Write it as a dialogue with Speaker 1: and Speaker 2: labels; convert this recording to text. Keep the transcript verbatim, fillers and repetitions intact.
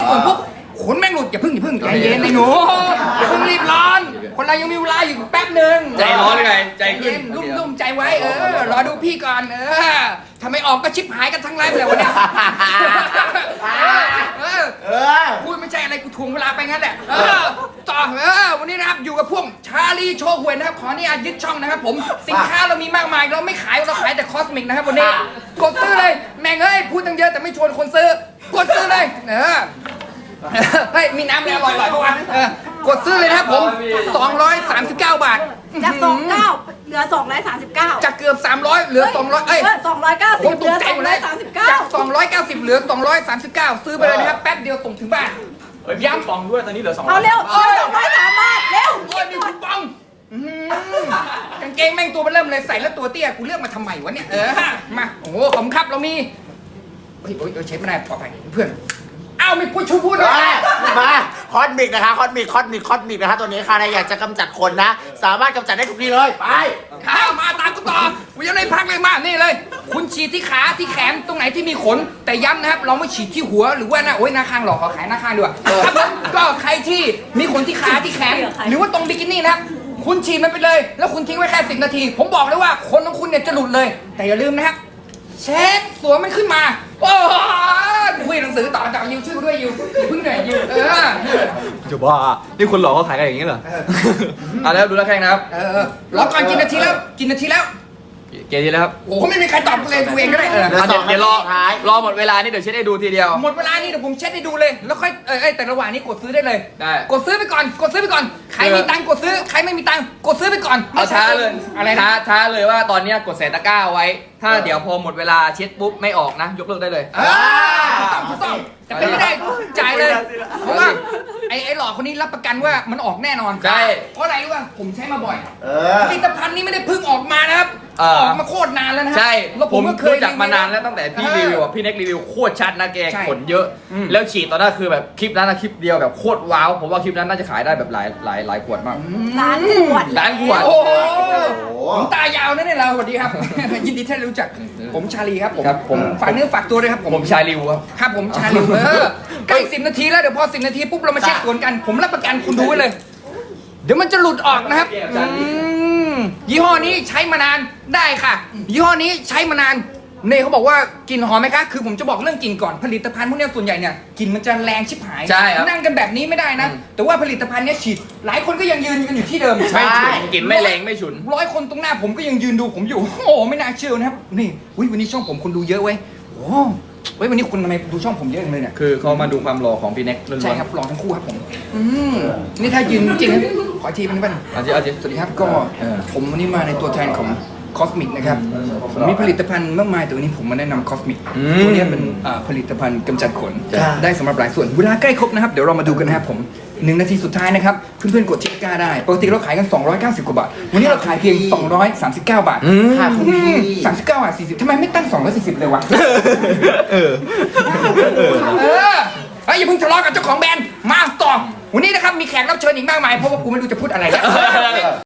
Speaker 1: ส่วนปุ๊บขนแม่งหลุดอย่าพึ่งอย่าพึ่งใจเย็นไอ้หนูอย่าพึ่งรีบร้อนคนเรายังมีเวลาอยู่แป๊บหนึ่ง
Speaker 2: ใจร้อนเลยไงใจขึ้น
Speaker 1: ลุ่มลุ่มใจไว้เออรอดูพี่ก่อนเออทำไมออกก็ชิบหายกันทั้งไลฟ์เลยวันนี้เออพูดไม่ใช่อะไรกูทวงเวลาไปงั้นแหละเออต่อเออวันนี้นะครับอยู่กับพวกชาลีโชว์หวยนะครับขออนุญาตยึดช่องนะครับผมสินค้าเรามีมากมายเราไม่ขายเราขายแต่คอสมิกนะครับวันนี้กดซื้อเลยแม่งเอ้ยพูดตั้งเยอะแต่ไม่ชวนคนซื้อกดซื้อเลยเออเฮ้ยมีน้ำอะไรอร่อยๆปะวะเออกดซื้อเลยนะครับผมสองร้อยสามสิบเก้าบาท
Speaker 3: จากสองเก้าเหลือสองร้อยสามสิบเก้า
Speaker 1: จากเกือบสามร้อยเหลือสองร้อยเอ้ย
Speaker 3: สองร้อยเก้าสิบเหลือสองร้อยสามสิบเก้า
Speaker 1: จากสองร้อยเก้าสิบเหลือสองร้อยสามสิบเก้าซื้อไปเลยนะครับแป๊บเดียวส่งถึงบ้าน
Speaker 2: ย้ำฟองด้วยตอนนี้เหลือสอง
Speaker 3: เอาเร็วเออสองร้อยสามบาทเร็ว
Speaker 1: โอ้ยมีคูปองกางเกงแม่งตัวมันเริ่มเลยใส่แล้วตัวเตี้ยกูเลือกมาทำไมวะเนี่ยเออมาโอ้โหขอบคุณครับเรามีเฮ้ยเออเชฟไม่ได้ปลอดภัยเพื่อนอ้าวไม่พูดชูพูดเลย
Speaker 4: มาคอสมิกนะคะคอสมิกคอสมิกคอสมิกนะคะตัวนี้ค่ะใครอยากจะกำจัดคนนะสามารถกำจัดได้ทุกที่เลยไป
Speaker 1: ข้าวมาตามกูต่อกูยังไม่พักเลยมานี่เลย คุณฉีดที่ขาที่แขนตรงไหนที่มีขนแต่ย้ำนะครับเราไม่ฉีดที่หัวหรือว่าหน้าโอ้ยหน้าข้างหรอกขอขายหน้าข้างด้วยครับผมก็ใครที่มีขนที่ขาที่แขนหรือว่าตรงบิกินี่นะครับคุณฉีดมันไปเลยแล้วคุณทิ้งไว้แค่สิบนาทีผมบอกเลยว่าขนของคุณเนี่ยจะหลุดเลย แต่อย่าลืมนะครับเช็คสวมมันขึ้นมาโอ้คุยหนังสือต่อจากยิวชื่อด้วยยิวพึ่งหน่อยยิวเออ
Speaker 2: จะบ้านี่คนหลอกเขาขายกันอย่างนี้เหรออ่ะแล้วดูแล้วแข่งนะครับ
Speaker 1: เออรอก่อนกินนาทีแล้วกินนาทีแล้ว
Speaker 2: เกมนี้แล้วครับ
Speaker 1: โอ้ไม่มีใครตอบเลยดูเองก็ได้เออ
Speaker 2: เดี๋ยวเดี๋ยวรอรอหมดเวลานี่เดี๋ยวเช็ดให้ดูทีเดียว
Speaker 1: หมดเวลานี่เดี๋ยวผมเช็ดให้ดูเลยแล้วค่อยเออแต่ระหว่างนี้กดซื้อได้เลย
Speaker 2: ได้
Speaker 1: กดซื้อไปก่อนกดซื้อไปก่อนใครมีตังค์กดซื้อใครไม่มีตังค์กดซื้อไปก่อน
Speaker 2: เอาช้าเลย
Speaker 1: อะไร
Speaker 2: ช้า
Speaker 1: นะ
Speaker 2: ช้าเลยว่าตอนนี้กดใส่ตะกร้าไว้ ถ้าเดี๋ยวพอหมดเวลาเช็ดปุ๊บไม่ออกนะ ยกเลิกได้เลย
Speaker 1: อ่าถูกต้องถูกต้องแต่เป็นไม่ได้จ่ายเลยเพราะว่าไอ้ไอ้หลอกคนนี้รับประกันว่ามันออกแน่นอน
Speaker 2: ใช่
Speaker 1: เพราะอะไรรู้ป่ะผมใช้มาบ่อย
Speaker 4: เออ
Speaker 1: ผลิตภัณฑ์นี้ไม่ได้เพิ่งออกมานะครับ
Speaker 2: เออ
Speaker 1: ออกมาโคตรนานแล้วนะ
Speaker 2: ใช่
Speaker 1: แล้ว
Speaker 2: ผม
Speaker 1: ก็เคย
Speaker 2: รู้จักมานานแล้วตั้งแต่พี่รีวิวอ่ะพี่เน็กรีวิวโคตรชัดนะแก
Speaker 1: ใช่
Speaker 2: ขนเยอะ
Speaker 1: อืม
Speaker 2: แล้วฉีดตอนนั้นคือแบบคลิปนั้นนะคลิปเดียวแบบโคตรว้าวผมว่าคลิปนั้นน่าจะขายได้แบบหลายหลายหลายขวดมาก
Speaker 3: ร้านขวด
Speaker 2: ล้านขวด
Speaker 1: โอ้โหผมตายาวนะเนี่ยเราสวัสดีครับ ยินดีที่ได้รู้จักผมชาลีครับผม
Speaker 2: ครับผม
Speaker 1: ฝากเนื้อฝากตัวด้วยครับผม
Speaker 2: ผมชายริวครับ
Speaker 1: ครับผมชาลีเออใกล้สิบนาทีแล้วเดี๋ยวพอสิบนาทีปุ๊บเรามาเช็คสวนกัน ผมรับประกันคุณดูไว้เลย เดี๋ยวมันจะหลุดออกนะครับอืมยี่ห้อนี้ใช้มานานได้ค่ะ ยี่ห้อนี้ใช้มานานเน่เขาบอกว่ากลิ่นหอมไหมคะคือผมจะบอกเรื่องกลิ่นก่อนผลิตภัณฑ์พวกเนี้ยส่วนใหญ่เนี่ยกลิ่นมันจะแรงชิบหาย
Speaker 2: ใช่ครับ
Speaker 1: นั่งกันแบบนี้ไม่ได้นะ แต่ว่าผลิตภัณฑ์เนี้ยฉีดหลายคนก็ยังยืนกันอยู่ที่เดิม
Speaker 2: ไม่ฉุนกลิ่นไม่แรงไม่ฉุน
Speaker 1: ร้อยคนตรงหน้าผมก็ยังยืนดูผมอยู่ โอ้โหไม่น่าเชื่อนะครับนี่อุ๊ยวันนี้ช่องผมคนดูเยอะเว้ยโอ้เว้ยวันนี้คุณทำไมดูช่องผมเยอะจังเลยเนี่ย
Speaker 2: คือเขามาดูความหล่อของพี่เน็กล้วนๆ
Speaker 1: ใช่ครับหล่อทั้งคู่ครับผมอืมนี่ถ้ายืนจริงนะขออีกทีเป็นบ้าง
Speaker 2: เอาจริงเอาจริง
Speaker 1: สวัสดีครับก็ผมวันนี้มาในตัวแทนของคอสมิกนะครับผมมีผลิตภัณฑ์มากมายแต่วันนี้ผมมาแนะนำคอสมิกตัวนี้เป็นอ่าผลิตภัณฑ์กำจัดขนได้สำหรับหลายส่วนเวลาใกล้ครบนะครับเดี๋ยวเรามาดูกันนะครับผมหนึ่งนาทีสุดท้ายนะครับเพื่อนๆกดที่ตะกร้าได้ปกติเราขายกันสองร้อยเก้าสิบกว่าบาทวันนี้เราขายเพียงสองร้อยสามสิบเก้าบาท
Speaker 4: ค่ะคุณพี่
Speaker 1: สามสิบเก้าบาทสี่สิบทำไมไม่ตั้งสองร้อยสี่สิบเลยวะ
Speaker 2: เออ
Speaker 1: เออเฮ้ยอย่าเพิ่งทะเลาะกับเจ้าของแบรนด์มาต่อวันนี้นะครับมีแขกรับเชิญอีกมากมายเพราะว่ากูไม่รู้จะพูดอะไรแล้ว